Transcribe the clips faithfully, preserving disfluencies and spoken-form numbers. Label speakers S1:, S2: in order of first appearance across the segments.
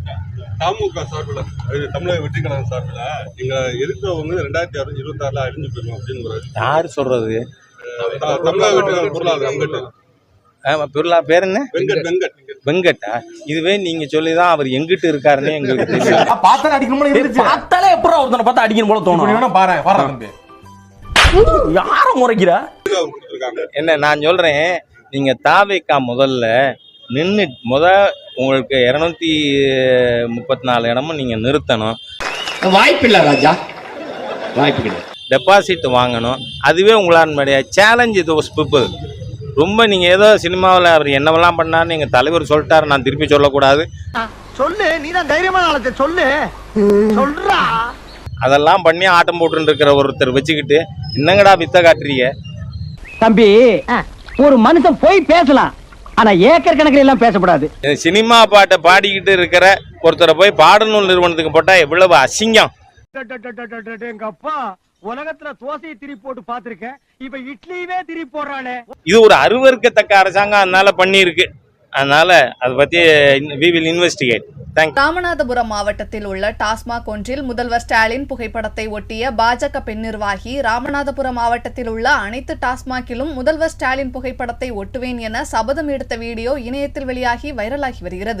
S1: திமுக சார்பில் தமிழக வெற்றி கழகம் சார்பில் நீங்க இருக்கிறவங்க ரெண்டாயிரத்தி அறுபது இருபத்தி ஆறுல அழிஞ்சு போயிடும் அப்படின்னு
S2: யாரு சொல்றது?
S1: தமிழக வெற்றி கழகம் பொருளாதார வெங்கட்
S2: பொருளா பேர் என்ன?
S1: வெங்கட் வெங்கட்
S2: வெங்கட்டா? இதுவே நீங்க சொல்லிதான் அவர் எங்கிட்டு இருக்காருன்னு எங்களுக்கு தெரியும்.
S3: பார்த்தாலே அடிக்கணும் பார்த்தாலே எப்பறம் ஒருத்தனை பார்த்தா அடிக்கணும் போல தோணும். பாரு பாரு யார முறைக்கிற
S2: என்ன நான் சொல்றேன், நீங்க தாவேக்கா முதல்ல நின்று முத உங்களுக்கு இருநூத்தி முப்பத்தி நாலு இடமும் நீங்க நிறுத்தணும்.
S4: வாய்ப்பில்லை ராஜா, வாய்ப்பு கிடையாது.
S2: டெபாசிட் வாங்கணும். அதுவே உங்களால் சேலஞ்ச் இது பீப்புள். ரொம்ப நீங்க ஏதோ சினிமாவில் அவர் என்னவெல்லாம் பண்ணாரு நீங்க தலைவர் சொல்லிட்டாரு, நான் திருப்பி சொல்லக்கூடாது.
S5: சொல்லு, நீ தான் தைரியமான ஆளத்தை சொல்லு சொல்றா.
S2: அதெல்லாம் பண்ணி ஆட்டம் போட்டு இருக்கிற ஒருத்தர் வச்சுக்கிட்டு என்னங்கடா வித்த காட்டுறீங்க?
S5: தம்பி, ஒரு மனுஷன் போய் பேசலாம், ஆனா ஏக்கர் கணக்கில் எல்லாம் பேசக்கூடாது.
S2: சினிமா பாட்டை பாடிக்கிட்டு இருக்கிற ஒருத்தரை போய் பாடநூல் நிறுவனத்துக்கு போட்டா எவ்வளவு அசிங்கம்.
S5: எங்க அப்பா உலகத்துல தோசையை திருப்பி போட்டு பாத்திருக்கேன், இப்ப இட்லியவே திருப்பி போடுறானே.
S2: இது ஒரு அருவருக்கத்தக்க அரசாங்கம் அதனால பண்ணி இருக்கு. அதனால அதை பத்தி we will investigate. Thank you.
S6: Ramanathapuram மாவட்டத்தில் உள்ள டாஸ்மாக் ஒன்றில் முதல்வர் ஸ்டாலின் புகைப்படத்தை ஒட்டிய பாஜக பெண் நிர்வாகி ராமநாதபுரம் மாவட்டத்தில் உள்ள அனைத்து டாஸ்மாகிலும் முதல்வர் ஸ்டாலின் புகைப்படத்தை ஒட்டுவேன் என சபதம் எடுத்த வீடியோ இணையத்தில் வெளியாகி வைரலாகி வருகிறது.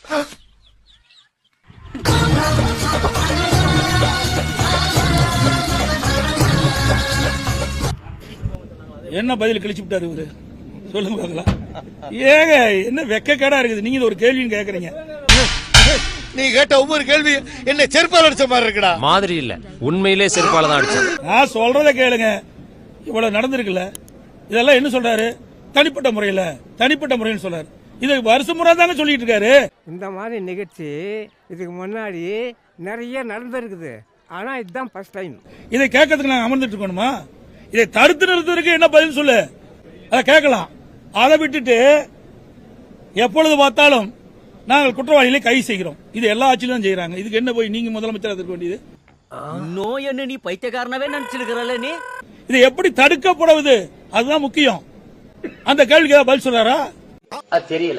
S7: என்ன பதில் கழிச்சு விட்டாரு இவரு? சொல்லுங்க பார்க்கலாம். ஏங்க என்ன வெக்கக்கேடா இருக்குது, நீங்க ஒரு கேள்வின்னு கேக்குறீங்க.
S4: நீ கேட்ட ஒவ்வொரு கேள்வி என்ன செருப்பால் அடிச்ச மாதிரி இருக்குடா.
S8: மாதிரி இல்ல, உண்மையிலே செருப்பால தான் அடிச்சேன்.
S7: நான் சொல்றத கேளுங்க. இவ்வளவு நடந்திருக்குல்ல, இதெல்லாம் என்ன சொல்றாரு? தனிப்பட்ட முறையில தனிப்பட்ட முறைன்னு சொல்றாரு. இது வருஷ முறை தாங்க சொல்லிட்டு இருக்காரு.
S9: இந்த மாதிரி நிகழ்ச்சி இதுக்கு முன்னாடி நிறைய நடந்திருக்குது, ஆனா இதுதான் ஃபர்ஸ்ட் டைம்.
S7: இதை கேட்கறதுக்கு நாங்க அமர்ந்துட்டு இருக்கணுமா? இதை தடுத்து நிறுத்துறதுக்கு என்ன பதில் சொல்லு, அதை கேட்கலாம். அதை விட்டுட்டு எப்பொழுது பார்த்தாலும் நாங்கள் குற்றவாளிகளை கைது செய்கிறோம், இது எல்லா ஆட்சியிலும் தான் செய்யறாங்க. இதுக்கு என்ன போய் நீங்க முதலமைச்சர் இருக்க வேண்டியது?
S5: நோய் என்ன நீ பைத்தியக்காரனவே நினைச்சிருக்கிறல்ல நீ?
S7: இது எப்படி தடுக்கப்படுவது அதுதான் முக்கியம். அந்த கேள்விக்கு ஏதாவது பதில் சொல்றாரா?
S5: தெரியல.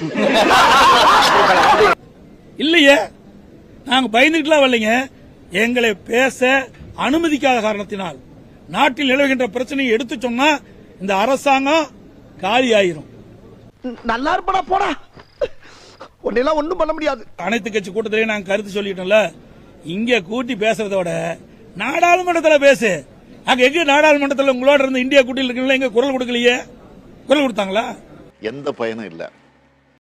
S7: இல்லையே, நாங்க பயந்துகிட்டுலாம் வரலைங்க. எங்களை பேச அனுமதிக்காத காரணத்தினால் நாட்டில் நிலவுகின்ற பிரச்சனையை எடுத்து சொன்னா இந்த அரசாங்கம் காலி ஆயிரும்.
S5: நல்லா இருப்படா போடா, உன்னெல்லாம் ஒண்ணும் பண்ண முடியாது.
S7: அனைத்து கட்சி கூட்டத்திலேயே நாங்க கருத்து சொல்லிட்டோம்ல, இங்க கூட்டி பேசுறதோட நாடாளுமன்றத்தில் பேசு. அங்க எங்க நாடாளுமன்றத்தில் உங்களோட இருந்து இந்தியா கூட்டில் இருக்கீங்களா, எங்க குரல் கொடுக்கலையே? குரல் கொடுத்தாங்களா?
S4: எந்த பயனும் இல்ல.